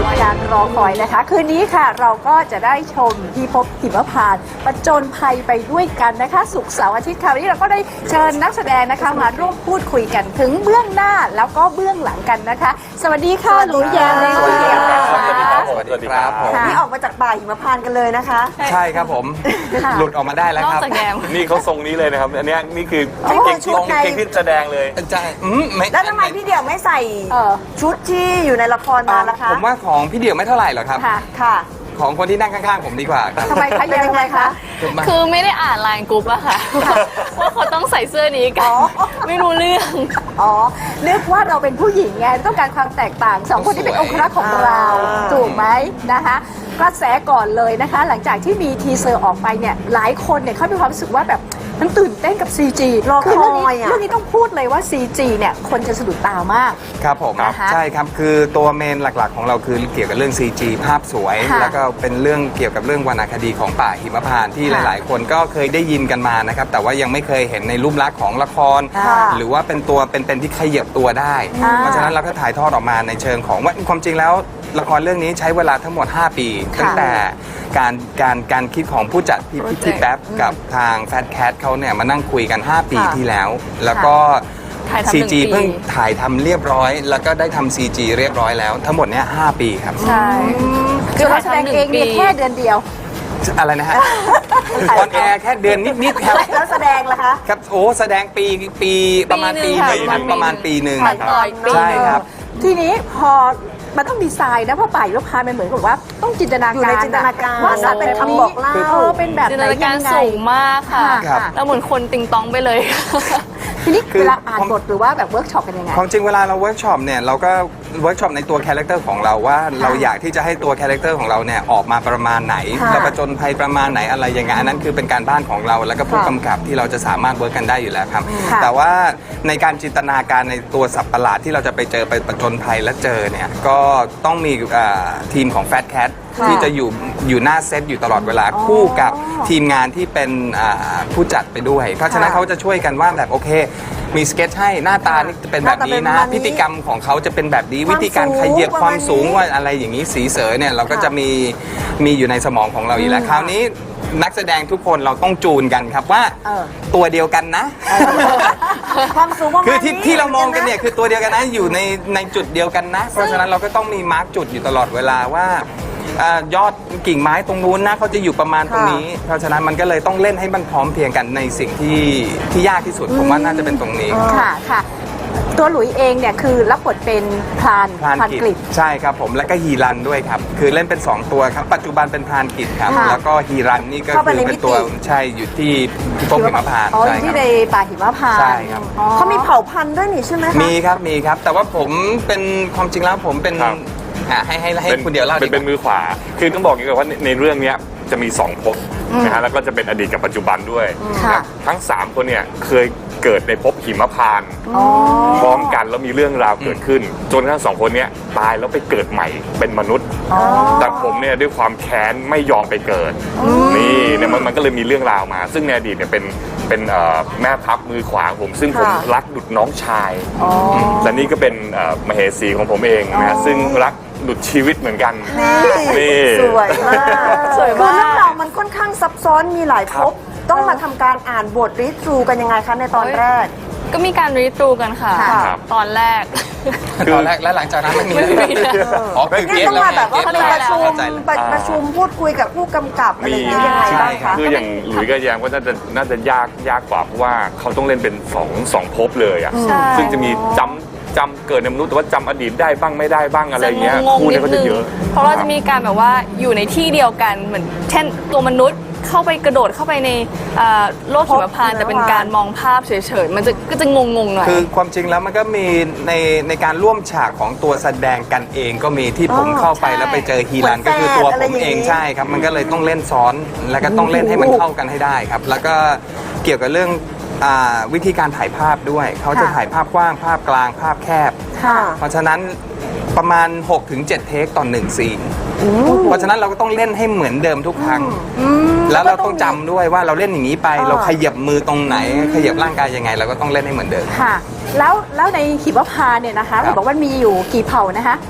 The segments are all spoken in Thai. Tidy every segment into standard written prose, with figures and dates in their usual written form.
สุดการรอคอยนะคะคืนนี้ค่ะเราก็จะได้ชมพิภพหิมพานต์ประจนภัยไปด้วยกันนะคะศุกร์เสาร์อาทิตย์คราวนี้เราก็ได้เชิญนักแสดงนะคะมาร่วมพูดคุยกันถึงเบื้องหน้าแล้วก็เบื้องหลังกันนะคะ สวัสดีค่ะหลุยแยมเลยสวัสดีครับค่ะสวัสดีครับผมนี่ออกมาจากป่าหิมพานต์กันเลยนะคะใช่ครับผมหลุดออกมาได้แล้วครับนี่เขาทรงนี้เลยนะครับ อันเนี้ยนี่คืออ๋อเก่งชุดในเก่งที่แสดงเลยใช่ไม่แล้วทำไมพี่เดี่ยวไม่ใส่ชุดที่อยู่ในละครมาล่ะคะผมว่าของพี่เดี่ยวไม่เท่าไหร่หรอกครับค่ะค่ะของคนที่นั่งข้างๆผมดีกว่าครับทำไมคะยังไงคะคือไม่ได้อ่านไลน์กรุ๊ปอะค่ะ ว่าเขาต้องใส่เสื้อนี้กัน ไม่รู้เรื่องอ๋อนึกว่าเราเป็นผู้หญิงไงต้องการความแตกต่างสองคนที่เป็นองครักษ์ของเราถูกไหมนะคะกระแสก่อนเลยนะคะ หลังจากที่มีทีเซอร์ออกไปเนี่ยหลายคนเนี่ยเขามีความรู้สึกว่าแบบมันตื่นเต้นกับ CG รอคอยคือเรื่องนี้อะเรื่องนี้ต้องพูดเลยว่า CG เนี่ยคนจะสะดุดตามากครับผมนะคะใช่ครับคือตัวเมนหลักๆของเราคือเกี่ยวกับเรื่อง CG ภาพสวยค่ะแล้วก็เป็นเรื่องเกี่ยวกับเรื่องวรรณคดีของป่าหิมพานต์ที่ค่ะหลายๆ คนก็เคยได้ยินกันมานะครับแต่ว่ายังไม่เคยเห็นในรูปลักษณ์ของละครค่ะหรือว่าเป็นตัวเป็นที่ขยับตัวได้อ่าเพราะฉะนั้นเราก็ถ่ายทอดออกมาในเชิงของว่าความจริงแล้วละครเรื่องนี้ใช้เวลาทั้งหมด 5 ปี ตั้งแต่การคิดของผู้จัดพี่แป๊บกับทางแฟตแคทเขาเนี่ยมานั่งคุยกัน 5 ปีที่แล้ว แล้วก็ถ่ายทำ CG 1 ปีเพิ่งถ่ายทำเรียบร้อย แล้วก็ได้ทำ CG เรียบร้อยแล้ว ทั้งหมดเนี้ย5 ปีครับใช่คือเราแสดงเองเนี่ยแค่เดือนเดียวอะไรนะฮะออนแอร์แค่เดือนนิดๆครับแล้วแสดงล่ะคะครับโอ้แสดงปีประมาณปีหนึ่งครับประมาณปีหนึ่งถ่ายต่ออีกปีใช่ครับทีนี้พอมันต้องดีไซน์นะเพราะป่าหิมพานต์มันเหมือนกับว่าต้องจินตนาอยู่การในจินตนาการว่าสัตว์เป็นแบบคำนี้บอกเล่าเป็นแบบจินไหตนนาการยังไงสูงมากค่ะครับแล้วเหมือนคนติงตองไปเลยทีนี้คือเวลาอ่านบทหรือว่าแบบเวิร์กช็อปกันยังไงความจริงเวลาเราเวิร์กช็อปเนี่ยเราก็เวิร์กช็อปในตัวคาแรคเตอร์ของเราว่าเราอยากที่จะให้ตัวคาแรคเตอร์ของเราเนี่ยออกมาประมาณไหนค่ะเราประจนภัยประมาณไหนอะไรยังไงอันนั้นคือเป็นการบ้านของเราแล้วก็ผู้กำกับที่เราจะสามารถเวิร์กกันได้อยู่แล้วครับค่ะแต่ว่าในการจินตนาการในตัวสัตว์ประหลาดที่เราจะไปเจอไปประจนภัยและเจอเนี่ยก็ต้องมีทีมของแฟตแคทค่ะที่จะอยู่หน้าเซตอยู่ตลอดเวลาคู่กับทีมงานที่เป็นผู้จัดไปด้วย เพราะฉะนั้นเขาจะช่วยกันว่าแบบโอเค มีสเก็ตให้หน้าตานี่จะเป็นแบบนี้นะหน้าตาเป็นแบบนี้พฤติกรรมของเขาจะเป็นแบบนี้ความวิธีการขยับสูงความสูงประมาณนี้ว่าอะไรอย่างนี้สีเสอเนี่ยเราก็จะมีอยู่ในสมองของเราอยู่แล้วคราวนี้นักแสดงทุกคนเราต้องจูนกันครับว่าเออตัวเดียวกันนะความสูงประมาณคือนี้ที่เรามองกันเนี่ยคือตัวเดียวกันนะอยู่ในจุดเดียวกันนะ เพราะฉะนั้นเราก็ต้องมีมาร์กจุดอยู่ตลอดเวลาว่ายอดกิ่งไม้ตรงนู้นนะเขาจะอยู่ประมาณตรงนี้ เพราะฉะนั้นมันก็เลยต้องเล่นให้มันพร้อมเพรียงกันในสิ่งที่ยากที่สุดผมว่าน่าจะเป็นตรงนี้ค่ะค่ะ ตัวหลุยเองเนี่ยคือรับบทเป็นพรานพรานกกิฤจษใช่ครับผมแล้วก็ฮีรันด้วยครับคือเล่นเป็น 2 ตัวครับปัจจุบันเป็นพรานกิจครับค่ะแล้วก็ฮีรันนี่ก็เข้าไปคือในเป็นตัวมิติใช่อยู่ที่พิภพหิมพานต์อ๋ออใช่ยู่คที่รับในป่าหิมพานต์ใช่ครับอ๋อเขามีเผ่าพันธุ์ด้วยนี่ใช่ไหมคะมีครับแต่ว่าผมเป็นความจริงแล้วผมเป็นครับให้คุณเดียวเล่าดีกเป็นว่ามือขวา คือต้องบอกอย่างนี้ก่อนว่าในเรื่องเนี้ยจะมี2ภพนะฮะแล้วก็จะเป็นอดีตกับปัจจุบันด้วยค่ะนะทั้ง 3 คนเนี่ยเคยเกิดในภพหิมพานต์อ๋อพร้อมกันแล้วมีเรื่องราวเกิดขึ้น จนทั้ง 2 คนเนี้ยตายแล้วไปเกิดใหม่เป็นมนุษย์ แต่ผมเนี่ยด้วยความแค้นไม่ยอมไปเกิด นี่เนี่ยมันก็เลยมีเรื่องราวมา ซึ่งในอดีตเนี่ยเป็นแม่ทัพมือขวาของผม ซึ่งผมค่ะรักดุจน้องชายและนี่ก็เป็นมเหสีของผมเองนะฮะซึ่งรักดุจชีวิตเหมือนกัน นี่สวยมากสวยคือมากเรื่องราวมันค่อนข้างซับซ้อนมีหลายภพต้องมาทำการอ่านบทรีทรูกันยังไงคะในตอนแรกก็มีการรีตูกันค่ะครับตอนแรกตอนแรกและหลังจากนั้นไม่มีแล้วไม่มีแล้วอ๋อคือนี่เก็ตต้องแล้วมาแบบว่าเก็ตมีแล้วประชุมเข้าใจแล้วประชุมพูดคุยกับผู้กำกับอะไรอย่างเงี้ยยังไงใช่บ้างครัคะบคืออย่างหลุยส์กับแยมก็น่าจะยากกว่าเพราะว่าเขาต้องเล่นเป็นสองภพเลยอ่ะใช่ซึ่งจะมีจำเกิดในมนุษย์แต่ว่าจำอดีตได้บ้างไม่ได้บ้างอะไรจะเงี้ยงงคู่ๆนินี้ดเขานึจะงเยอะเพราะเราจะมีการแบบว่าอยู่ในที่เดียวกันเหมือนเช่นตัวมนุษย์เข้าไปกระโดดเข้าไปในโลกหิมพานต์แต่เป็นการมองภาพเฉยๆมันก็จะงงๆหน่อยคือความจริงแล้วมันก็มีในการร่วมฉากของตัวแสดงกันเองก็มีที่ผมเข้าไปใช่แล้วไปเจอฮีรันเหมือนก็คือตัวแฝดอะไรผมอย่างเองนี้ใช่ครับ มันก็เลยต้องเล่นซ้อนแล้วก็ต้องเล่นให้มันเข้ากันให้ได้ครับ แล้วก็เกี่ยวกับเรื่องวิธีการถ่ายภาพด้วย เขาจะค่ะถ่ายภาพกว้างภาพกลางภาพแคบค่ะเพราะฉะนั้นประมาณ 6-7 เทคต่อ1ซีนเพราะฉะนั้นเราก็ต้องเล่นให้เหมือนเดิมทุกครั้ง แล้วเราต้องจำด้วยว่าเราเล่นอย่างนี้ไป เราขยับมือตรงไหน ขยับร่างกายยังไง เราก็ต้องเล่นให้เหมือนเดิมค่ะ แล้วในหิมพานต์เนี่ยนะคะครับบอกว่ามีอยู่กี่เผ่านะคะ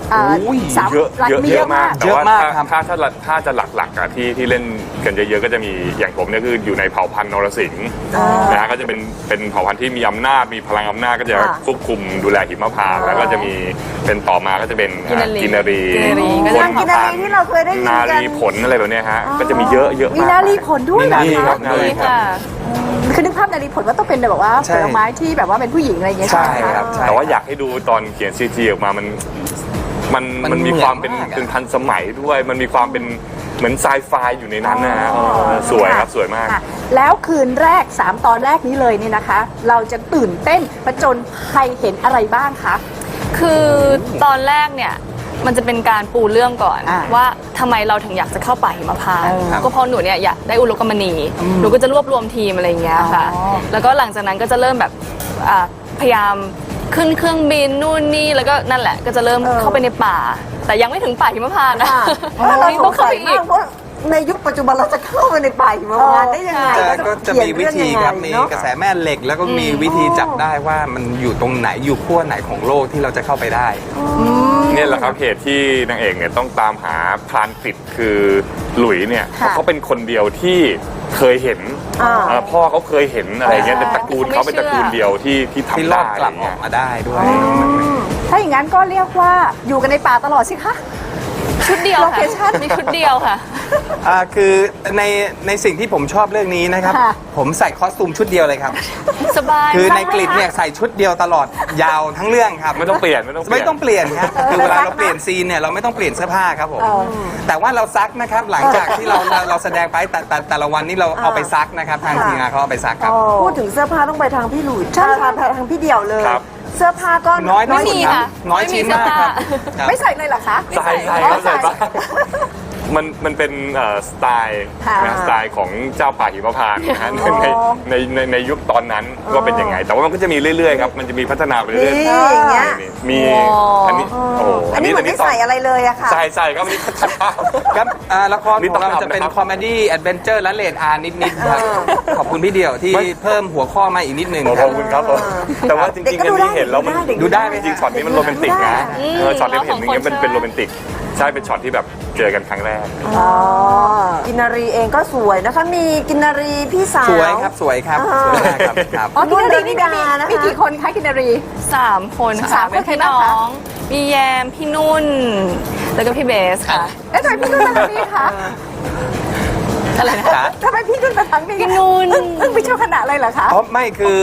อุ้ยสามเยอะหลักเยอะมีเยเยอะมามอะาก กแต่ว่าเยอะมากครับถ้าจะหลักๆอะที่เล่นกันเยอะๆก็จะมีอย่างผมเนี่ยคืออยู่ในเผ่าพันธุ์นรสิงห์นะฮะก็จะเป็นเผ่าพันธุ์ที่มีอำนาจมีพลังอำนาจก็จะค่ะควบคุมดูแลหิมพานต์แล้วก็จะมีเป็นต่อมาก็จะเป็นกินนารีกินนารีกินนารีก็คจะนกินนารีที่เราเคยได้ยินนากันรีผลอะไรแบบเนี้ยฮะก็จะมีเยอะเยอะมีมากนารีผลด้วยเหรอนี่ครัคะบนารีนี่ครับค่ะคือนึกภาพนารีผลว่าต้องเป็นแบบว่าใช่ผลไม้ที่แบบว่าเป็นผู้หญิงอะไรอย่างเงี้ยใช่ไหมะครับใช่แต่ว่าอยากให้ดูตอนเขียนซีจีออกมามันมีความเป็นเหมือนมากอะเป็นทันสมัยด้วย มันมีความเป็นเหมือนไซไฟอยู่ในนั้นนะฮะสวยครับสวยมากค่ะแล้วคืนแรก 3 ตอนแรกนี้เลยนี่นะคะ เราจะตื่นเต้นประจนภัยเห็นอะไรบ้างคะคือตอนแรกเนี่ยมันจะเป็นการปูเรื่องก่อนอ่าว่าทำไมเราถึงอยากจะเข้าป่าหิมพานต์ครับก็เพราะหนูเนี่ยอยากได้อุลกมณีหนูก็จะรวบรวมทีมอะไรอย่างเงี้ยค่ะอ๋อแล้วก็หลังจากนั้นก็จะเริ่มแบบพยายามขึ้นเครื่องบินนู่นนี่แล้วก็นั่นแหละก็จะเริ่มเข้าไปในป่า แต่ยังไม่ถึงป่าหิมพานต์นะเรานี่สต้อง งเข้าสัไปยอีมากกเพราะในยุคปัจจุบันเราจะเข้าไปในป่าหิมพานต์ได้ยังไงก็จะมีวิธีครับมีกระแสแม่เหล็ก แล้วก็มีวิธีจับได้ว่ามันอยู่ตรงไหนอยู่ขั้วไหนของโลกที่เราจะเข้าไปได้เนี่ยแหละครับเหตุที่นางเอกเนี่ยต้องตามหาพรานกฤษคือหลุยเนี่ยเพค่ะราะเขาเป็นคนเดียวที่เคยเห็นพ่อเขาเคยเห็นอะไรเงี้ยแต่ตระกูลเขาเป็นตระกูลเดียวที่ที่ทำรอได้ดกลับออกมาได้ด้วยถ้าอย่างนั้นก็เรียกว่าอยู่กันในป่าตลอดสิคะชุดเดียวค่ะ Location มีชุดเดียวค่ะคือในสิ่งที่ผมชอบเรื่องนี้นะครับค่ะผมใส่คอสตูมชุดเดียวเลยครับสบายคือในกลิดเนี่ยใส่ชุดเดียวตลอดยาวทั้งเรื่องครับไม่ต้องเปลี่ยนไม่ต้องเปลี่ยนครับคือเวลาเราเปลี่ยนซีนเนี่ยเราไม่ต้องเปลี่ยนเสื้อผ้าครับผมแต่ว่าเราซักนะครับหลังจากที่เราแสดงไปแต่ละวันนี่เราเอาไปซักนะครับทางทีมงานเขาเอาไปซักครับพูดถึงเสื้อผ้าต้องไปทางพี่หลุยทางพี่เดี่ยวเลยครับเสื้อผ้าก็น้อยที่ไม่สุดมีครัค่ะบน้อยชิ้นมากครับครับไม่ใส่เลยเหรอคะใส่ใส่ครับใส่บ้างมันเป็นสไตล์ค่ะนะสไตล์ของเจ้าป่าหิมพานต์นะฮะในยุคตอนนั้นก็เป็นยังไง แต่ว่ามันก็จะมีเรื่อยๆครับมันจะมีพัฒนาไปเรื่อยนี่อย่างเงี้ยๆมีอันนี้โอ้โหอันนี้เหมือนไม่ใส่อะไรเลยอะค่ะใส่ก็มีพัฒนาครับละครนี่ขต้ออง งเราทำจะเป็นนะครับคอมเมดี้แอดเวนเจอร์และเลดอาร์นิดๆครับขอบคุณพี่เดี่ยวที่เพิ่มหัวข้อมาอีกนิดนึงขคอรับบ คุณครับผมแต่ว่าจริงๆอันนี้เห็นแล้วมันดูได้ไหมจริงๆช็อตนี้มันโรแมนติกนะอืมช็อตนี้เห็นอย่างเงี้ยเราสองคนเป็นโรแมนติกใช่เป็นช็อตที่แบบเจอกันครั้งแรกกินนารีเองก็สวยนะคะ มีกินนารีพี่สาวสวยครับสวยครับสวยมากครับครับอ๋อกินนารีนี่นุ่นเดนิดานะคะมีกี่คนคะกินนารี 3 คนสาค่ะมคนเป็นพี่ใครบ้างน้อคะงมีแยมพี่นุ่น แล้วก็พี่เบสค่ะแล้วทำไมพี่นุ่นมาทางนี้คะอะไรนะจ๋าทำไมพี่นุ่นมาทางนี้พี่นุ่นอึ้งไปเช่าขนาดเลยเหรอคะเพราะไม่คือ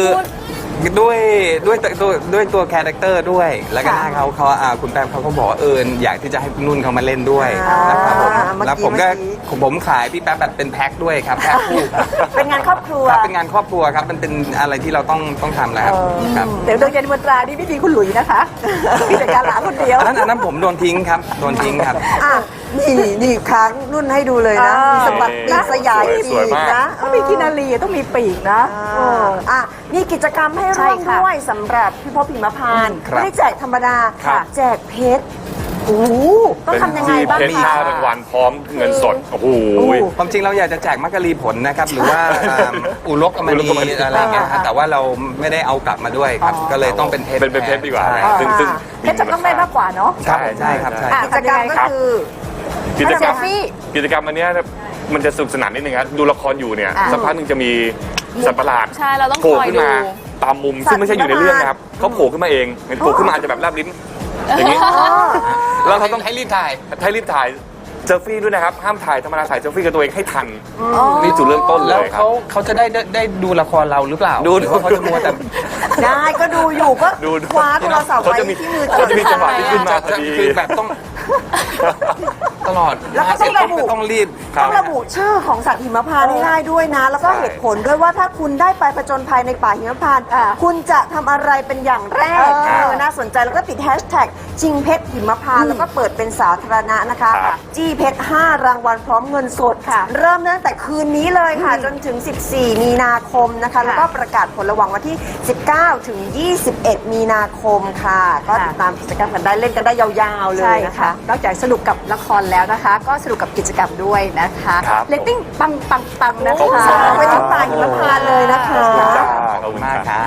ด้วยตัวคาแรคเตอร์ด้วย แล้วก็หน้าเขาคุณแปมเขาก็บอกว่าอยากที่จะให้คุณนุ่นเขามาเล่นด้วยนะครับผมเมื่อกี้แล้วผมขายพี่แป๊บแบบเป็นแพ็คด้วยครับแพ็คคู่ครับเป็นงานครอบครัวครับเป็นงานครอบครัวครับมันเป็นอะไรที่เราต้องทำแล้วครับครับเดี๋ยวโดยยันมนตรานี่ไม่มีคุณหลุยนะคะมีแต่การหลาคนเดียวอันนั้นผมโดนทิ้งครับโดนทิ้งครับอ่ะนี่ค้างนุ่นให้ดูเลยนะ มีสะบัดปีกสยายสวยปีกมากนะต้องมีกินนารีต้องมีปีกนะอ่ะมีกิจกรรมให้ใช่ร่วมค่ะด้วยสำหรับพี่พบหิมพานต์ครับไม่ได้แจกธรรมดาครับแจกเพชรโอ้โหต้องทำยังไงบ้างเป็นคะค่ารางวัลพร้อมเงินสดโอ้โหความจริงเราอยากจะแจกมักกะลีผลนะครับ หรือว่าอุลกอมอุลกอมณีณีอะไรอย่างเงี้ยครับแต่ว่าเราไม่ได้เอากลับมาด้วยครับ ก็เลยต้องเป็นเพชรเป็นเพชรดีกว่าใช่ซึ่งเพชรจะต้องได้มากกว่าเนาะใช่ใช่ครับใช่อ่ะกิจกรรมก็คือกิจกรรมเซลฟี่กิจกรรมอันเนี้ยมันจะสนุกสนานนิดนึงครับดูละครอยู่เนี่ยอ่าสักพักหนึ่งจะมีสัตว์ประหลาดใช่เราต้องโผล่คอยขึ้นมาดูตามมุมซึ่งไม่ใช่อยู่ในเรื่องนะครับเขาโผล่ขึ้นมาเองโผล่ขึ้นมาอาจจะแบบแลบลิ้นอย่างนี้แล้วเราต้องให้รีบถ่ายรีบถ่ายเซลฟี่ด้วยนะครับห้ามถ่ายธรรมดาถ่ายเซลฟี่กับตัวเองให้ทันนี่จุดเริ่มต้นเลแล้วยครับเขาจะได้ดูละครเราหรือเปล่าดูหรือว่าเขาจะมัวแต่ได้ก็ดูอยู่ก็ดูคว้าโทรศัพท์เขาไว้จะมีที่มือเขาจะมีจังหวะที่ขึ้นมาพอดีคือแบบต้องตลอดแล้วก็ต้องระบุต้องรีบต้องระบุชื่อของสัตว์หิมพานต์ให้ได้ด้วยนะ แล้วก็เหตุผลด้วยว่าถ้าคุณได้ไปผจญภัยในป่าหิมพานต์คุณจะทำอะไรเป็นอย่างแรกน่าสนใจแล้วก็ติดแฮชแท็กชิงเพชรหิมพานต์แล้วก็เปิดเป็นสาธารณะนะคะครับจี้เพชร5 รางวัลพร้อมเงินสดค่ะ เริ่มตั้งแต่คืนนี้เลยค่ะ จนถึง 14 มีนาคมนะคะ แล้วก็ประกาศผลระหว่างวันที่ 19 ถึง 21 มีนาคมค่ะ ก็ติดตามกิจกรรมกันได้เล่นกันได้ยาวๆเลใช่ยนะคะค่ะ นอกจากสนุกกับละครแล้วนะคะ ก็สนุกกับกิจกรรมด้วยนะคะครับเรตติ้งปังนะขอบคุณคะครับไปทั้งป่าหิมพานต์เลยนะคะขอบคุณจ้าขอบคุณมากครับ